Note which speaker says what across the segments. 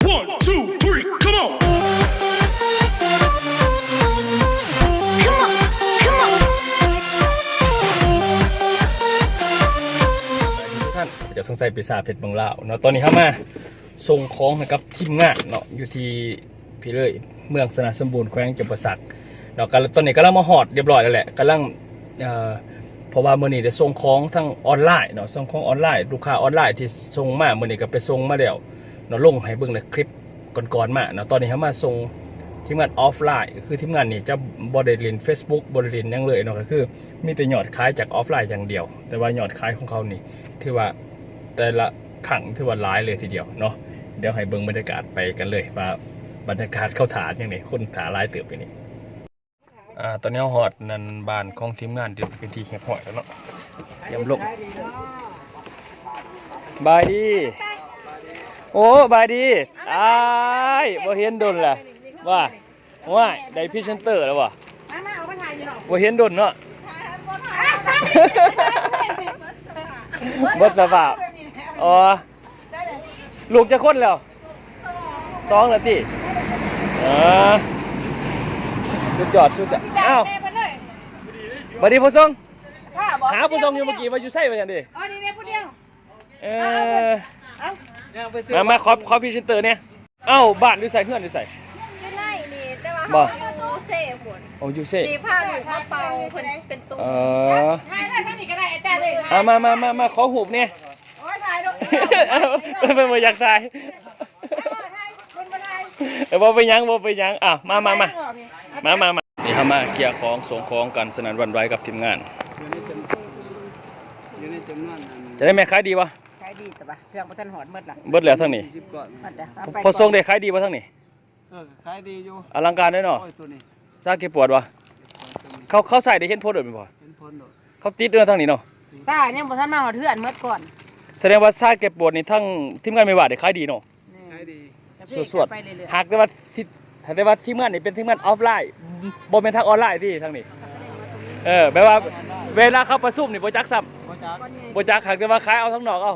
Speaker 1: 1, 2, 3, come on.
Speaker 2: Come on, come on.
Speaker 3: ท่านเดี๋ยวสงสัยไปสาเพชรบางลาวเนาะตอนนี้เข้ามาส่งของนะครับทีมงานเนาะอยู่ที่พี่เลยเมืองสนาสมบูรณ์แขวงจำปาสักเนาะตอนนี้กำลังมาฮอดเรียบร้อยแล้วแหละกำลังเพราะว่ามื้อนี้ได้ส่งของทั้งออนไลน์เนาะส่งของออนไลน์ลูกค้าออนไลน์ที่ส่งมามื้อนี้ก็ไปส่งมาแล้วเนาะลงให้เบิ่งในคลิปก่อนๆมาเนาะตอนนี้เข้ามาส่งทีมงานออฟไลน์คือทีมงานนี่จะบ่ได้เล่น Facebook บ่ได้เล่นหยังเลยเนาะก็คือมีแต่ยอดขายจากออฟไลน์อย่างเดียวแต่ว่ายอดขายของเขานี่ถือว่าแต่ละครั้งถือว่าหลายเลยทีเดียวเนาะเดี๋ยวให้เบิ่งบรรยากาศไปกันเลยว่าบรรยากาศเข้าฐานอย่างนี้คนฐานหลายเติบไปนี่ตอนนี้ฮอดนั่นบ้านของทีมงานที่เป็นที่แคบหอยแล้วเนาะเตรียมลงบายดีโอ้บายดีอ้ายบ่เห็นดนล่ะว่าได้พรีเซนเตอร์แล้วว่ะบ่เห็นดนเนาะบ่สภาพอ๋อลูกจะคนแล้ว2แล้วติสุดยอดอ้าวบัดนี้ผู้ทรงหาผู้ทรงอยู่เมื่อกี้ว่าอยู่ไสว่าจังดิ
Speaker 4: อ๋อนี่ผู้เดียว
Speaker 3: มาขอพรีเซนเตอร์เนี่ยเอ้าบ้านอยู่ไสเฮือนอยู่ไส
Speaker 4: ไม่ไล่นี่แต่ว่ายูเซ่ฝน
Speaker 3: โอ้ยูเซ่
Speaker 4: สีผ้าหนูผ้าเป่าเป็นตัวถ่ายได้ท่านนี่ก็ได้อาจารย์เลย
Speaker 3: มาขอหูบเนี่ย
Speaker 4: โอ้ยถ่ายลูก
Speaker 3: เป็นบ่อยากถ่ายบ่ไปยังมานี่เฮามาเคลียร์ของส่งของกันสนั่นหวั่นไหวกับทีมงานจะได้แม่ขายดีวะ
Speaker 4: ขายดีแต่ว่าเครื่องบ่ทันหอดหมดล่ะ
Speaker 3: เบิดแล้วทั้งนี้พอส่งได้ขายดีบ่ทั้งนี้
Speaker 5: ขายดีอยู่
Speaker 3: อลังการด้วยเนาะซาเก็บปวดวะเขาใส่ได้เห็นโพสต์บ่เขาติดด้วยทั้งนี้เนาะ
Speaker 4: ซ่ายังบ่ทันมาหอดเฮือนหมดก่อน
Speaker 3: แสดงว่าซาเก็บปวดนี่ทั้งทีมงานไม่ว่าได้ขายดีเนาะ
Speaker 5: ขายดี
Speaker 3: สวดหากแต่ว่าทีมงานนี่เป็นทีมงานออฟไลน์บ่เป็นทางออนไลน์ที่ทางนี้แปลว่าเวลาเขาประชุมนี่บ่จักซ้ำบ่จักหากแต่ว่าขายเอาทั้งนอกเอา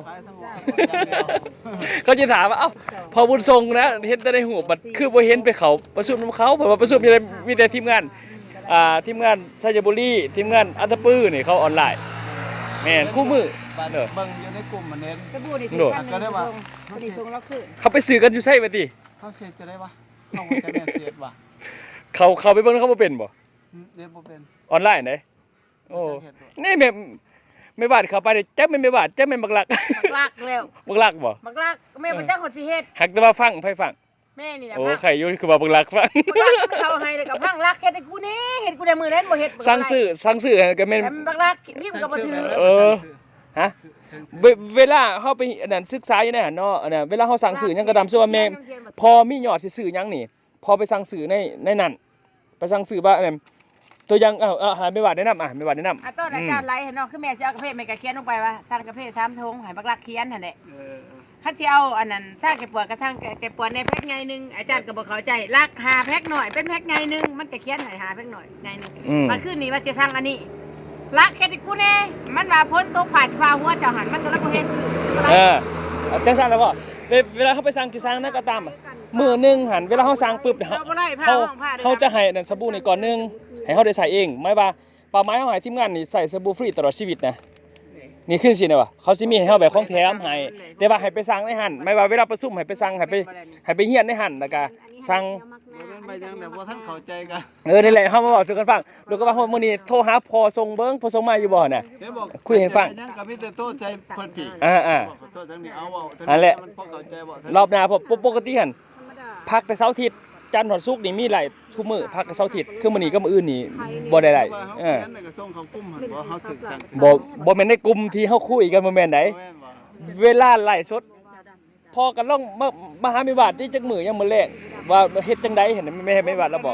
Speaker 3: เขาจะถามว่าเอ้าพอบุญทรงนะเห็นแต่ในหูบัดคือบ่เห็นไปเขาประชุมเขาเพราะว่าประชุมมีแต่ทีมงานชัยบุรีทีมงานอัตตปื้อนี่เขาออนไลน์แม่นคู่มือ
Speaker 5: เบิ่งอยู่ในกลุ่มมันเน้น
Speaker 4: สบู่นี่ก็ได้ว่าบ่ได้ส่งแล้วคือ
Speaker 3: เขาไปซื้อกันอยู่ไสบัดนี้
Speaker 5: เขาเสียจะได้วะเขาจะแม่เสียว่ะ
Speaker 3: เขาไปเบิ่งเขาบ่เป็นบ่
Speaker 5: เรียนบ่เป็น
Speaker 3: ออนไลน์ไหนโอ้นี่ไม่บาดเข้าไปจักแม่นไม่บาดจักแม่นบักลัก
Speaker 4: แล้ว
Speaker 3: บักลักบ่
Speaker 4: บักลักแม่บ่จักคนสิเฮ็ด
Speaker 3: หักแต่ว่าฟังไผฟัง
Speaker 4: แม่นี่น่ะ
Speaker 3: โอ้ไข่อยู่คือว่าบักลักฟัง
Speaker 4: เขาให้แล้วก็พังลักเฮ็ดให้กูนี่เฮ็ดกูได้มื้อนั้นบ่เฮ็ด
Speaker 3: สั่งซื้อก็แม่น
Speaker 4: บักลักพิมพ์ก็บ่ถือ
Speaker 3: ฮะเวลาเฮาไปอันนั้นศึกษาอยู่ในหั่นเนาะอันน่ะเวลาเฮาสั่งซื้อหยังก็ตามชื่อว่าแม่พอมียอดสิซื้อหยังนี่พอไปสั่งซื้อในนั้นไปสั่งซื้อว่าอันนั้นตัวยังหาไม่ว่าแนะนำไม่ว่าแนะนำ
Speaker 4: ต้นอาจารย์ไลเนาะคือแม่สิเอากาแฟแม่ก็เขียนลงไปว่าสั่งกาแฟ3ถุงให้บักลักเขียนนั่นแหละคันสิเอาอันนั้นช่างแกปวดก็ช่างแกปวดในแพ็คไงนึงอาจารย์ก็บ่เข้าใจลัก5แพ็คหน่อยเป็นแพ็คไงนึงมันก็เขียนให้5แพ็คหน่อยไงนึงมันขึ้นนี่ว่าสิสั่งอันนี้ลักเฮ็ดให้กูแน่มันว่าพ้นตกผ่านฟ้าหัวเจ้าหันมันก็ลักบ่เฮ็ด
Speaker 3: จังซั่นแล้วบ่เวลาเขาไปสั่งที่สั่งนั่นก็ตามมื้อนึงหันเวลาเฮาสั่งปึ๊บเขาจะให้นั่นสบู่นี่ก่อนนึงให้เฮาได้ใส่เองหมายว่าเป้าหมายเฮาให้ทีมงานนี่ใส่สบู่ฟรีตลอดชีวิตนะนี่ขึ้นสินะว่าเขาสิมีให้เฮาแบบของแถมให้แต่ว่าให้ไปสั่งในหั่นหมายว่าเวลาประชุมให้ไปสั่งให้ไปเฮียนในหั่นแล้วก็สั่ง
Speaker 5: ไปจังแบบบ่ทันเข้าใจกัน
Speaker 3: นี่แหละเฮามาบอกสู่กันฟังดูก็ว่ามื้อนี้โทรหาพอส่งเบิ่งพอส่งมาอยู่บ่น่ะคุยให้ฟัง
Speaker 5: ยังก็มีแต่โทษใจเพิ่นพี่โทษจังนี้เอาเว้า
Speaker 3: นั่นแหละ
Speaker 5: มันพอเข้าใจบ่
Speaker 3: รอบหน้าปกติหั่นพักแต่เสาร์อาทิตย์จันทร์ถึงศุกร์นี่มีหลายทุกมื้อพักแต่เสาร์อาทิตย์คือมื้อนี้กับมื้ออื่นนี่บ่ได้หลาย
Speaker 5: ก็ส่งเข้ากลุ่มหั่นบ่เฮาสึกสั่ง
Speaker 3: บ่แม่นในกลุ่มที่เฮาคุยกันบ่แม่นไดเวลาไลฟ์สดพอกันลองมาหามีบาทที่จักมื้อยังมื้อแรกว่าเฮ็ดจังได๋เห็นไม่บาทแล้วบอก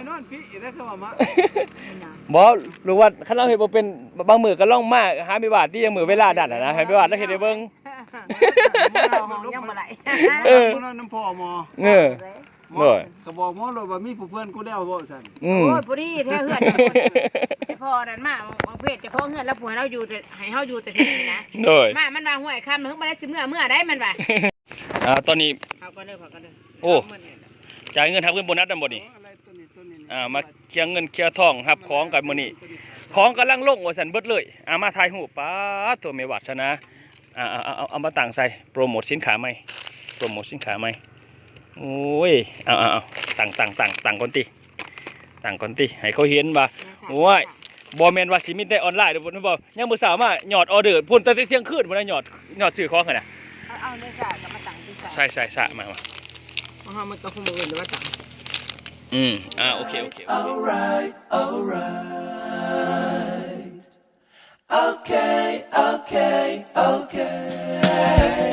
Speaker 3: บ่รู้ว่าคันเราเฮ็ดบ่เป็นบางมื้อก็ลองมาหามีบาทที่ยังมื้อเวลาดัดนะให้มีบาทแล้วเฮ็ดให้เบิ่ง
Speaker 4: ยังบ่ไหล
Speaker 5: น้ำพ่อหมอก็บอกหมอเลยว่ามีผู้เพื่อนกูแล้วบ่ซั่น
Speaker 4: โอ้ยพอดีแท้เฮือนพ่อนั่นมาบางเพศเจ้าของเฮือนแล้วผัวเราอยู่แต่ให้เฮาอยู่แต่ที่นี่นะมามันว่าห้วยค่ำนึงบ่ได้สิเมื่อได้มันว่า
Speaker 3: ตอนนี้
Speaker 4: เขาก็เด้อเขาก็เด้อ
Speaker 3: โอ้
Speaker 4: เาเงินเนี่ย
Speaker 3: จ่ายเงินทับเงินโบนัสนำบ่นี่
Speaker 5: อะไรตัวนี้
Speaker 3: มาเคลียร์เงินเคลียร์ทองรับของกันมื้อนี้ของกำลังลงว่าซั่นเบิดเลยมาถ่ายรูปป๊าดตัวแม่วัดซะนะเอามาตั้งใส่โปรโมทสินค้าใหม่โปรโมทสินค้าใหม่โอ้ยเอาตั้งก่อนติตั้งก่อนติให้เขาเห็นว่าโอ้ยบ่แม่นว่าสิมีแต่ออนไลน์เด้อพุ่นบ่ยังมื้อเช้ามายอดออเดอร์พุ่นแต่เที่ยงคืนพุ่นน่ะยอดซื้อของกันน่ะ
Speaker 4: เอาเนื้อสากับมาตั้งที่สา
Speaker 3: ใช่สะมา
Speaker 4: เพราะว่ามันก็คงบ่อื่นหรือว่าตั้ง
Speaker 3: โอเค
Speaker 1: Alright, alright. Okay, okay, okay.